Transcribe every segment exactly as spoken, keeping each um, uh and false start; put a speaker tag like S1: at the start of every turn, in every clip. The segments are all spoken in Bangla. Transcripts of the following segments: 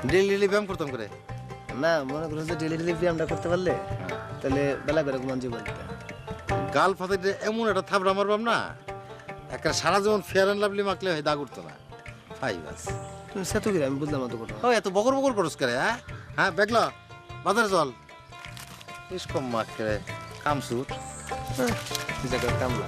S1: ডেলি ডেলি ব্যায়াম করতাম করে।
S2: না মনে করো যে ডেলি ডেলি ব্যায়ামটা করতে পারলে তাহলে বেলা করে ঘুমান জীবন।
S1: গাল ফাতে এমন একটা থাবড়া মারবাম না, একটা সারা জীবন ফেয়ার অ্যান্ড লাভলি মাখলে হয় দাগ উঠতো না। ফাই বাস
S2: সে তো আমি বুঝলাম না তো কথা।
S1: ও এত বকর বকর করস করে? হ্যাঁ হ্যাঁ বেগলা বাজারে চল, বেশ কম মাখ করে কামসুর
S2: কামলা।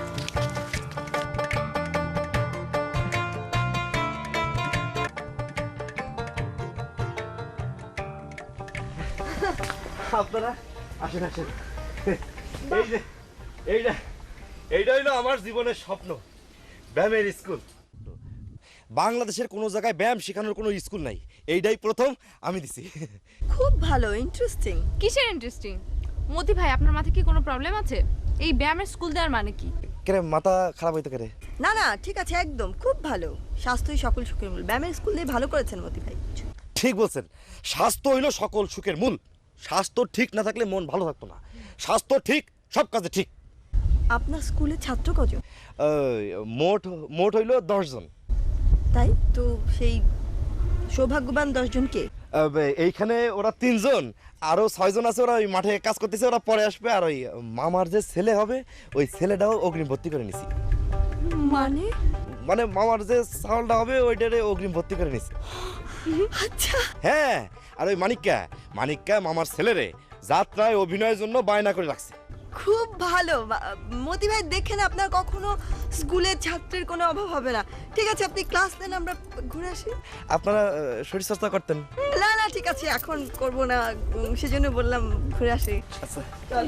S3: আপনারা আসেন আসেন। এই যে এইটা এইটা হইলো আমার জীবনের স্বপ্ন, ব্যায়ামের স্কুল। বাংলাদেশের কোনো জায়গায় ব্যায়াম শেখানোর কোনো স্কুল নাই, এইটাই প্রথম আমি দিছি।
S4: খুব ভালো, ইন্টারেস্টিং।
S5: কিসের ইন্টারেস্টিং? মতি ভাই, আপনার মাথায় কি কোনো প্রবলেম আছে? এই ব্যায়ামের স্কুল দেওয়ার মানে কি?
S3: কেরে মাথা খারাপ হইতে কেরে?
S4: না না ঠিক আছে, একদম খুব ভালো। স্বাস্থ্যই সকল সুখের মূল। ব্যায়ামের স্কুল দিয়ে ভালো করেছেন মতি ভাই।
S3: ঠিক বলছেন, স্বাস্থ্য হইলো সকল সুখের মূল। স্বাস্থ্য ঠিক না থাকলে মন ভালো থাকতো না। স্বাস্থ্য ঠিক, সব কাজে ঠিক।
S4: আপনার স্কুলে ছাত্র কজন?
S3: এই, মোট মোট হইলো দশ জন।
S4: তাই তো, সেই সৌভাগ্যবান দশজন কে?
S3: আহ, এইখানে ওরা তিনজন, আরো ছয়জন আছে, ওরা ওই মাঠে কাজ করতেছে, ওরা পরে আসবে। আর ওই মামার যে ছেলে হবে, ওই ছেলেটাও অগ্রিম ভর্তি করে নিছি।
S4: মানে
S3: মানে মামার যে চাউলটা হবে ওইটারে অগ্রিম ভর্তি করে নিছি।
S4: আচ্ছা।
S3: হ্যাঁ, আর ওই মানিক্কা মানিক্কা মামার ছেলেরে যাত্রায় অভিনয়ের জন্য বায়না করে রাখছে।
S4: খুব ভালো বা- মতি ভাই, দেখেন আপনার কখনো স্কুলের ছাত্রের কোনো অভাব হবে না। ঠিক আছে, আপনি ক্লাস নেন, আমরা ঘুরে আসি।
S3: আপনারা আহ, শরীরচর্চা করতেন?
S4: না না ঠিক আছে, এখন করব না, উম, সেজন্য বললাম ঘুরে আসি।
S3: আচ্ছা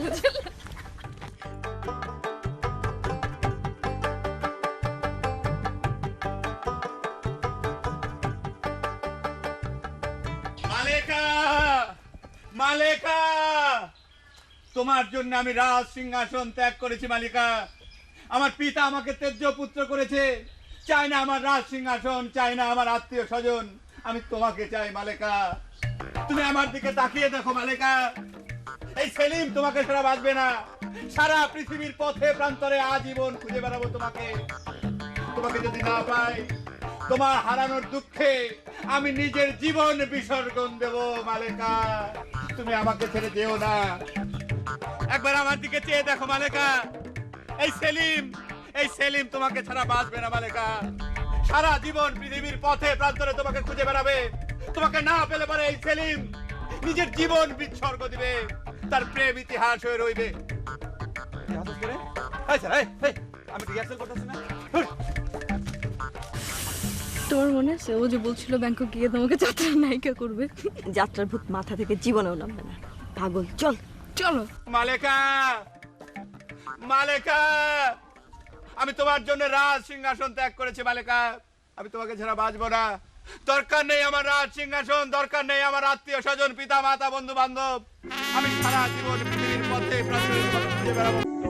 S6: মালেকা, মালেকা, তোমার জন্য আমি রাজ সিংহাসন ত্যাগ করেছি মালিকা। আমার পিতা আমাকে তেজ্য পুত্র করেছে, চাই না আমার রাজ সিংহাসন, চাই না আমার আত্মীয় স্বজন, আমি তোমাকে চাই মালেকা। তুমি আমার দিকে তাকিয়ে দেখো মালেকা, এই সেলিম তোমাকে ছাড়া বাঁচবে না। সারা পৃথিবীর পথে প্রান্তরে আজীবন খুঁজে বেড়াবো তোমাকে। তোমাকে যদি না পাই, তোমার হারানোর দুঃখে আমি নিজের জীবন বিসর্জন দেব মালেকা। তুমি আমাকে ছেড়ে যেও না, একবার আমার দিকে চেয়ে দেখো মালেকা। এই সেলিম, এই সেলিম তোমাকে ছাড়া বাঁচবে না মালেকা। সারা জীবন পৃথিবীর পথে প্রান্তরে তোমাকে খুঁজে বেড়াবে। তোমাকে না পেলে পরে এই সেলিম নিজের জীবন বিসর্গ দিবে, তার প্রেম ইতিহাস হয়ে রইবে। আমি রিহার্সাল করতেছি না।
S5: তোমার মনে আছে ও যে বলছিল ব্যাংকক গিয়ে তোমাকে যাত্রার নায়িকা করবে?
S4: যাত্রার ভূত মাথা থেকে জীবনেও নামবে না, পাগল। চল
S5: চলো।
S6: মালেকা, মালেকা, আমি তোমার জন্য রাজ সিংহাসন ত্যাগ করেছি মালেকা। আমি তোমাকে ছাড়া বাঁচবো না। দরকার নেই আমার রাজ সিংহাসন, দরকার নেই আমার আত্মীয় স্বজন, পিতা মাতা বন্ধু বান্ধব। আমি সারা জীবন পৃথিবীর পথে প্রান্তরে তোমাকে খুঁজে বেড়াবো।